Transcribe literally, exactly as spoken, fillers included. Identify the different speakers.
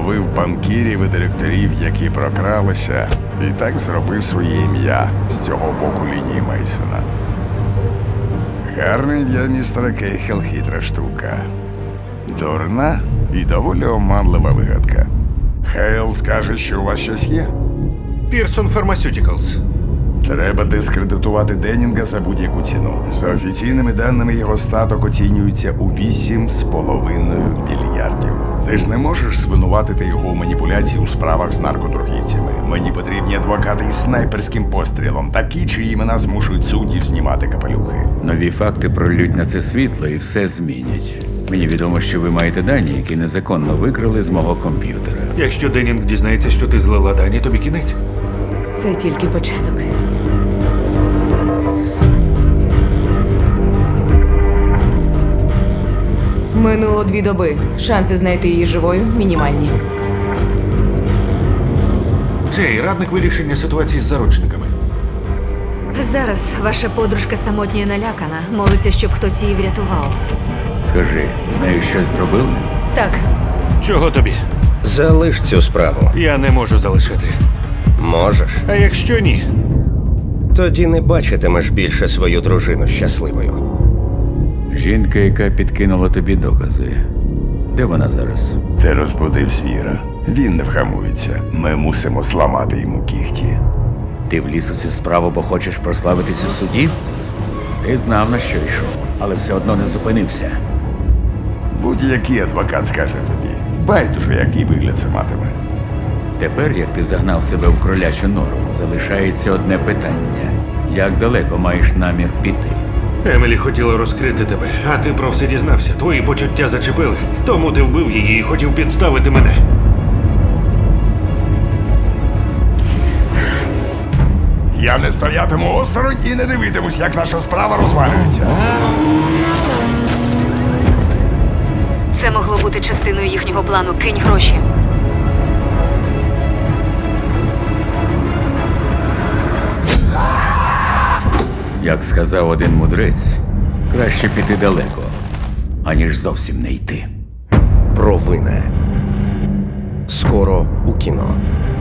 Speaker 1: Зловив банкірів і директорів, які прокралися, і так зробив своє ім'я з цього боку лінії Мейсона. Гарне ім'я містера Кейхел, хитра штука. Дурна і доволі оманлива вигадка. Хейл скаже, що у вас щось є.
Speaker 2: Пірсон Pharmaceuticals.
Speaker 1: Треба дискредитувати Деннінга за будь-яку ціну. За офіційними даними, його статок оцінюється у вісім з половиною мільярдів. Ти ж не можеш звинуватити його у маніпуляції у справах з наркоторгівцями. Мені потрібні адвокати із снайперським пострілом, такі, чиї імена змушують суддів знімати капелюхи.
Speaker 3: Нові факти пролють на це світло і все змінять. Мені відомо, що ви маєте дані, які незаконно викрали з мого комп'ютера.
Speaker 2: Якщо Деннінг дізнається, що ти злила дані, тобі кінець.
Speaker 4: Це тільки початок. Минуло дві доби. Шанси знайти її живою мінімальні.
Speaker 2: Джей, радник вирішення ситуації з заручниками.
Speaker 5: Зараз ваша подружка самотня і налякана. Молиться, щоб хтось її врятував.
Speaker 3: Скажи, з нею щось зробили?
Speaker 5: Так,
Speaker 2: Чого тобі?
Speaker 6: Залиш цю справу.
Speaker 2: Я не можу залишити.
Speaker 6: Можеш.
Speaker 2: А якщо ні?
Speaker 6: Тоді не бачитимеш більше свою дружину щасливою.
Speaker 3: Жінка, яка підкинула тобі докази. Де вона зараз?
Speaker 1: Ти розбудив звіра. Він не вгамується. Ми мусимо зламати йому кіхті.
Speaker 3: Ти вліз у цю справу, бо хочеш прославитись у суді? Ти знав, на що йшов, але все одно не зупинився.
Speaker 1: Будь-який адвокат скаже тобі. Байдуже, який вигляд це матиме.
Speaker 3: Тепер, як ти загнав себе в кролячу нору, залишається одне питання. Як далеко маєш намір піти?
Speaker 2: Емілі хотіла розкрити тебе, а ти про все дізнався. Твої почуття зачепили. Тому ти вбив її і хотів підставити мене.
Speaker 1: Я не стоятиму осторонь і не дивитимусь, як наша справа розвалюється.
Speaker 5: це могло бути частиною їхнього плану. Кинь гроші.
Speaker 3: Як сказав один мудрець, краще піти далеко, аніж зовсім не йти.
Speaker 6: Провина. Скоро у кіно.